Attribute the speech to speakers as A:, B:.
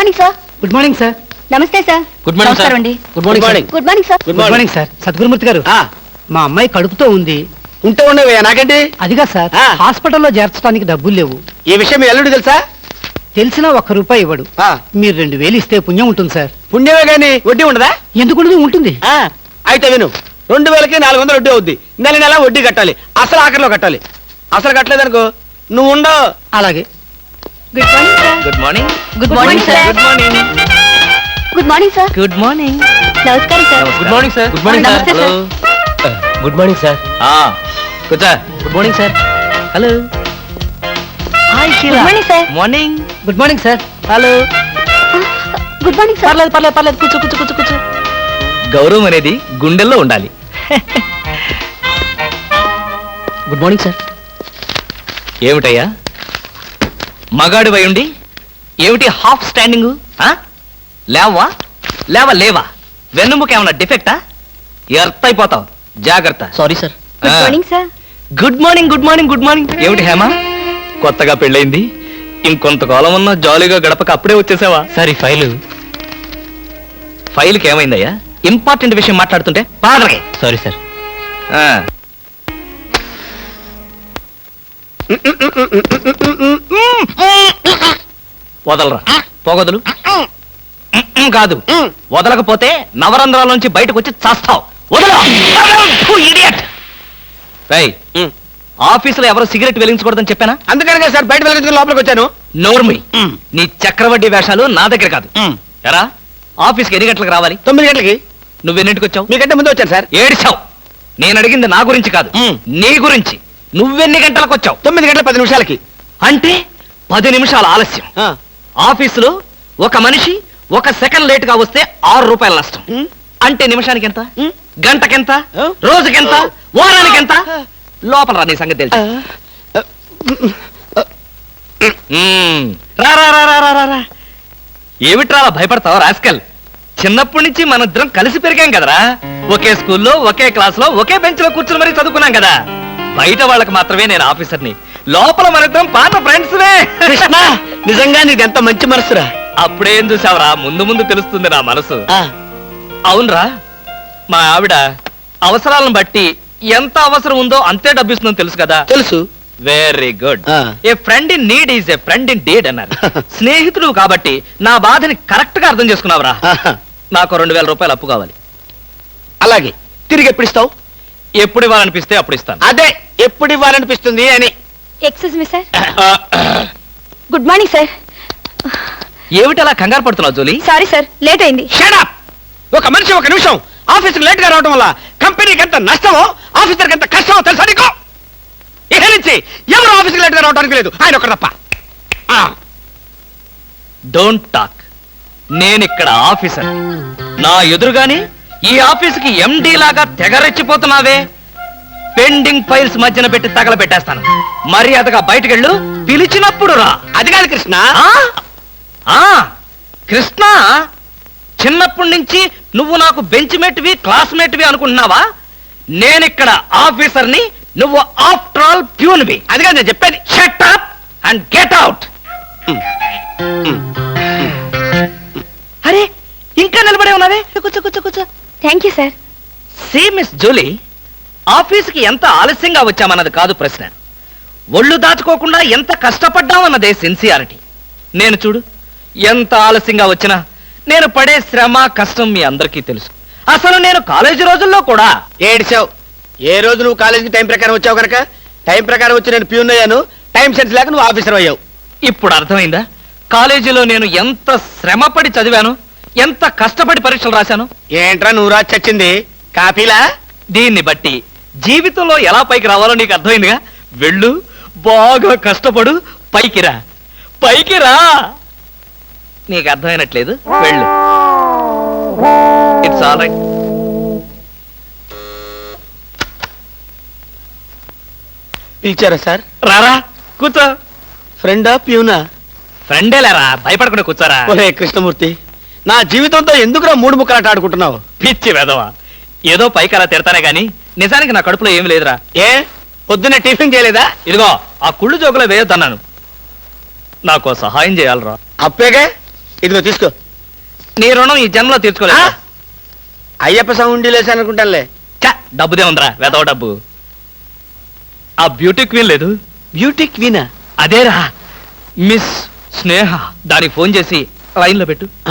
A: Morning sir.
B: Good morning sir.
A: నమస్తే sir.
C: Good morning sir.
A: అండి.
B: Good morning.
A: Good morning sir.
B: Good morning sir. Sadgurumurthy గారు, మా అమ్మాయి కడుపుతో ఉంది.
D: ఉంటే ఉండవే నాకండి.
B: అదిగా సార్, హాస్పిటల్లో చేర్చడానికి డబ్బులు లేవు.
D: ఈ విషయం మీ అల్లుడు తెలుసా?
B: తెలిసినా ₹1 ఇవ్వడు. మీరు 2000 ఇస్తే పుణ్యం ఉంటుంది సార్.
D: పుణ్యమే గాని వడ్డీ ఉండదా?
B: ఎందుకు ఉంటుంది?
D: అయితే విను, 2000కి 400 వడ్డీ అవుద్ది. నెల వడ్డీ కట్టాలి, అసలు ఆఖరిలో కట్టాలి. అసలు కట్టలేదనుకో నువ్వు ఉండవు.
B: అలాగే.
A: Good morning sir.
C: Good morning sir.
A: Good morning sir. Good morning sir.
C: Good morning.
A: నమస్కారం sir.
C: Good morning sir.
A: Good morning నమస్తే సార్.
C: Good morning sir. కూర్చో. Good morning sir. Hello. Hi
A: good morning sir.
C: Morning.
B: Good morning sir.
C: Hello.
A: Good morning sir.
C: పర్లేదు. కూర్చో. గౌరవం అనేది గుండెల్లో ఉండాలి. Good morning sir. ఏమిటయ్యా మగాడి ఉండి ఏమిటి హాఫ్ స్టాండింగ్? లేవా వెన్నుముక ఏమన్నా డిఫెక్టా? ఎర్త్ అయిపోతావు, జాగ్రత్త. Sorry sir.
A: Good morning sir.
C: Good morning. ఏమిటి హేమ, కొత్తగా పెళ్ళైంది, ఇంకొంతకాలం ఉన్న జాలీగా గడపక అప్పుడే వచ్చేసావా? సరే, ఫైల్కి ఏమైందయ్యా? ఇంపార్టెంట్ విషయం మాట్లాడుతుంటే పాదరకే. Sorry sir. వదలరా, పోగొదలు. కాదు, వదలకపోతే నవరంధ్రాల నుంచి బయటకు వచ్చి చేస్తావు. ఆఫీసులో ఎవరో సిగరెట్ వెలిగించకూడదని చెప్పానా?
D: అందుకనే సార్ బయట వెలిగించుకుని లోపలికి వచ్చాను.
C: నోర్మి, నీ చక్రవడ్డీ వేషాలు నా దగ్గర కాదు. ఎరా, ఆఫీస్కి ఎన్ని గంటలకు రావాలి?
D: 9 గంటలకి.
C: నువ్వెన్నింటికి వచ్చావు?
D: మీకంటే ముందు వచ్చాను సార్.
C: ఏడిచావు. నేను అడిగింది నా గురించి కాదు, నీ గురించి. నువ్వెన్ని గంటలకు వచ్చావు?
D: 9 గంటల 10 నిమిషాలకి.
C: అంటే 10 నిమిషాల ఆలస్యం. ఆఫీసులో ఒక మనిషి 1 సెకండ్ లేట్ గా వస్తే ₹6 నష్టం. అంటే నిమిషానికి ఎంత? గంటకెంత? రోజుకెంత? వారానికి ఎంత? లోపల రా, నీ సంగతి తెలుసు. రా. ఏమిట్రా భయపడతావు రాస్కల్? చిన్నప్పటి నుంచి మనిద్దరం కలిసి పెరిగాం కదరా. ఒకే స్కూల్లో, ఒకే క్లాస్ లో, ఒకే బెంచ్ లో కూర్చుని మరీ చదువుకున్నాం కదా. బయట వాళ్ళకి మాత్రమే నేను ఆఫీసర్ని, లోపల మనిద్దరం పాత ఫ్రెండ్స్.
D: కృష్ణ, నిజంగా నీది ఎంత మంచి మనసురా.
C: అప్పుడేం చూసావరా, ముందు తెలుస్తుంది నా మనసు. అవునరా, మా ఆవిడ అవసరాలను బట్టి ఎంత అవసరం ఉందో అంతే డబ్బిస్తుందని తెలుసు కదా.
D: తెలుసు.
C: Very good. A friend in need is a friend in deed అన్నారు. స్నేహితుడు కాబట్టి నా బాధని కరెక్ట్ గా అర్థం చేసుకున్నావురా. నాకు ₹2000 అప్పు కావాలి.
D: అలాగే, తిరిగి ఎప్పుడు ఇస్తావు?
C: ఎప్పుడు ఇవ్వాలనిపిస్తే అప్పుడు ఇస్తాను.
D: అదే, ఎప్పుడు ఇవ్వాలనిపిస్తుంది అని.
A: Excuse me sir. Good morning sir.
C: ఏమిటి అలా కంగారు పడుతున్నావు జోలీ?
A: సారీ సార్, లేట్ అయింది.
D: Shut up. ఒక మనిషి 1 నిమిషం ఆఫీసుకు లేట్ గా రావడం వల్ల కంపెనీకి ఎంత నష్టమో, ఆఫీసర్కి ఎంత కష్టమో తెలుసా నీకు? ఇక నుంచి ఎవరు ఆఫీసుకు లేట్ గా రావడానికి లేదు, ఆయన ఒకరు తప్ప.
C: Don't talk. నేనిక్కడ ఆఫీసర్. నా ఎదురుగాని ఈ ఆఫీసుకి ఎండి లాగా తెగరెచ్చిపోతున్నావే. పెండింగ్ ఫైల్స్ మధ్యన పెట్టి తగలబెట్టేస్తాను. మర్యాదగా బయటకెళ్ళు, పిలిచినప్పుడు రా.
D: అది కాదు కృష్ణ.
C: కృష్ణ, చిన్నప్పటి నుంచి నువ్వు నాకు బెంచ్ మేట్వి, క్లాస్మేట్వి అనుకుంటున్నావా? నేనిక్కడ ఆఫీసర్ని, నువ్వు ఆఫ్టర్ ఆల్ ప్యూన్వి.
D: అది కాదు నేను చెప్పేది.
C: Shut up and get out. అరే, ఇంకా నిలబడే ఉన్నావే? కూర్చో.
A: Thank you sir.
C: See miss Julie, ఆఫీసుకి ఎంత ఆలస్యంగా వచ్చామన్నది కాదు ప్రశ్న. ఒళ్ళు దాచుకోకుండా ఎంత కష్టపడ్డామన్నదే సిన్సియారిటీ. నేను చూడు, ఎంత ఆలస్యంగా వచ్చినా నేను పడే శ్రమ, కష్టం మీ అందరికీ తెలుసు. అసలు నేను కాలేజీ రోజుల్లో కూడా
D: ఏడిచావు. ఏ రోజు నువ్వు కాలేజీకి టైం ప్రకారం వచ్చావు కనుక టైం ప్రకారం వచ్చి నేను ప్యూన్ అయ్యాను. టైం సెన్స్ లేక నువ్వు ఆఫీసర్ అయ్యావు.
C: ఇప్పుడు అర్థమైందా కాలేజీలో నేను ఎంత శ్రమపడి చదివాను, ఎంత కష్టపడి పరీక్షలు రాశాను?
D: ఏంట్రా నువ్వు రాసి చచ్చింది? కాపీలా?
C: దీన్ని బట్టి జీవితంలో ఎలా పైకి రావాలో నీకు అర్థమైందిగా. వెళ్ళు, బాగా కష్టపడు, పైకి రా. నీకు అర్థమైనట్లేదు, వెళ్ళు. It's all right.
D: పిలిచారా సార్?
C: రారా, కూర్చో.
D: ఫ్రెండా ప్యూనా?
C: ఫ్రెండేలేరా, భయపడకుండా కూర్చోరా.
D: ఒరే కృష్ణమూర్తి, నా జీవితంతో ఎందుకురా 3 ముక్కలాట ఆడుకుంటున్నావు?
C: పిచ్చి వెధవా, ఏదో పైకి అలా తిడతానే గాని నిజానికి నా కడుపులో ఏం లేదురా.
D: ఏ, పొద్దున్నే టిఫిన్ చేయలేదా?
C: ఇదిగో, ఆ కుళ్ళు జోకులో వేయొద్దన్నాను. నాకు సహాయం చేయాలరా.
D: అప్పేగా ఇదిగో తీసుకో.
C: నీ రుణం ఈ జన్మలో తీర్చుకోలేదు.
D: అయ్యప్ప సౌండి లేసానుకుంటానులే.
C: డబ్బుదే ఉందిరా, వెదవ డబ్బు. ఆ బ్యూటీ క్వీన్ లేదు,
D: బ్యూటీ క్వీనా?
C: అదేరా మిస్ స్నేహ. దానికి ఫోన్ చేసి లైన్లో పెట్టు.